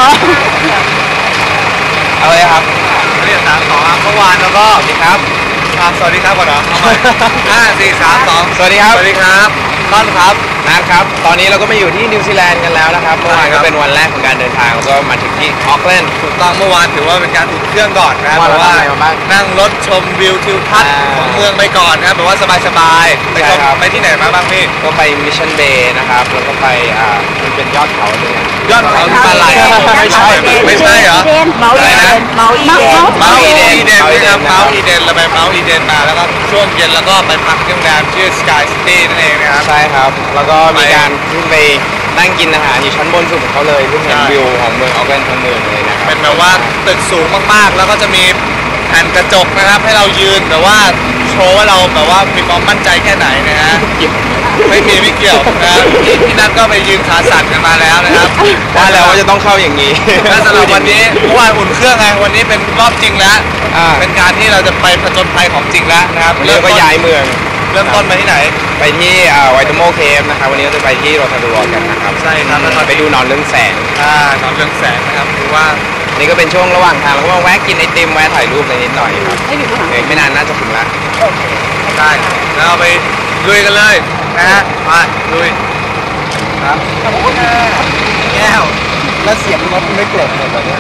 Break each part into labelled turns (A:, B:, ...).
A: เอาเลยครับ
B: เรียก3-2ครับเมื่อวานแล้วก็
A: สวัสดีครับ
B: สวัสดีครับก่อนเหรอ5 4 3 2
A: สวัสดีครับ
B: สวัสดีครับต้นครับ
A: นัทครับตอนนี้เราก็มาอยู่ที่นิวซีแลนด์กันแล้วนะครับเมื่อวานก็เป็นวันแรกของการเดินทางแล้วก็มาถึงที่ออคแลนด์
B: ถูกต้องเมื่อวานถือว่าเป็นการอุ่นเครื่องก่อนนะเพราะว่านั่งรถชมวิวทิวทัศน์ของเมืองไปก่อนนะครับแบบว่าสบายๆไปที่ไหนมาบ้างพี่
A: ก็ไปมิชชั่นเบย์นะครับแล้วก็ไปมันเป็นยอดเขาเลย
B: ยอดเขาที่มาลายไม่ใช่เหรอ
C: เมาอีเดนเมาอีเดน
B: เมาอีเดนนะครับเมาอีเดนเราไปเมาอีเดนมาแล้วก็ช่วงเย็นแล้วก็ไปพักที่โรงแรมชื่อ Sky City นั่นเองนะครับ
A: ใช่ครับแล้วก็มีการขึ้นไปนั่งกินอาหารอยู่ชั้นบนสุดของเขาเลยเพื่อเห็นวิวของเมืองออคแลนด์ทั้งเมืองเลยนะครับ
B: เป็นแบบว่าตึกสูงมากๆแล้วก็จะมีแผ่นกระจกนะครับให้เรายืนแบบว่าโชว์ว่าเราแบบว่ามีความมั่นใจแค่ไหนนะฮะไม่เกี่ยวนะพี่นัทก็ไปยืนขาสั่นกันมาแล้วนะครับ
A: ว่าแล้วว่าจะต้องเข้าอย่างนี้
B: และสำหรับวันนี้เมื่อวานอุ่นเครื่องไงวันนี้เป็นรอบจริงแล้วเป็นการที่เราจะไปผจญภัยของจริงแล้วนะครับ
A: เริ่มก็ย้ายเมือง
B: เริ่มต้นไปที่ไหน
A: ไปที่ไวท์โมเคฟนะครับวันนี้เราจะไปที่โรทารูอกันนะครับ
B: ใช่ครับแล้ว
A: ไปดูนอนเรื่องแสง
B: นอนเรื่องแสงนะครับคือว่า
A: นี่ก็เป็นช่วงระหว่างทางเราก็มาแวะกินไอติมแวะถ่ายรูปอะไรนิดหน่อยครับไม่นานน่าจะถึงแล้ว
B: ได้แล้วเราไปลุยกันเลยนะฮะมาลุยครับแก้ว
A: แล้วเสียงรถไม่เกล็ดเลยแบบนี้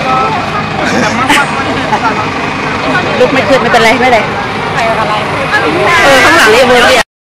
C: ลุกไม่ขึ้นไม่เป็นไรไม่เป็นไรข้างหลังนี่เบอร์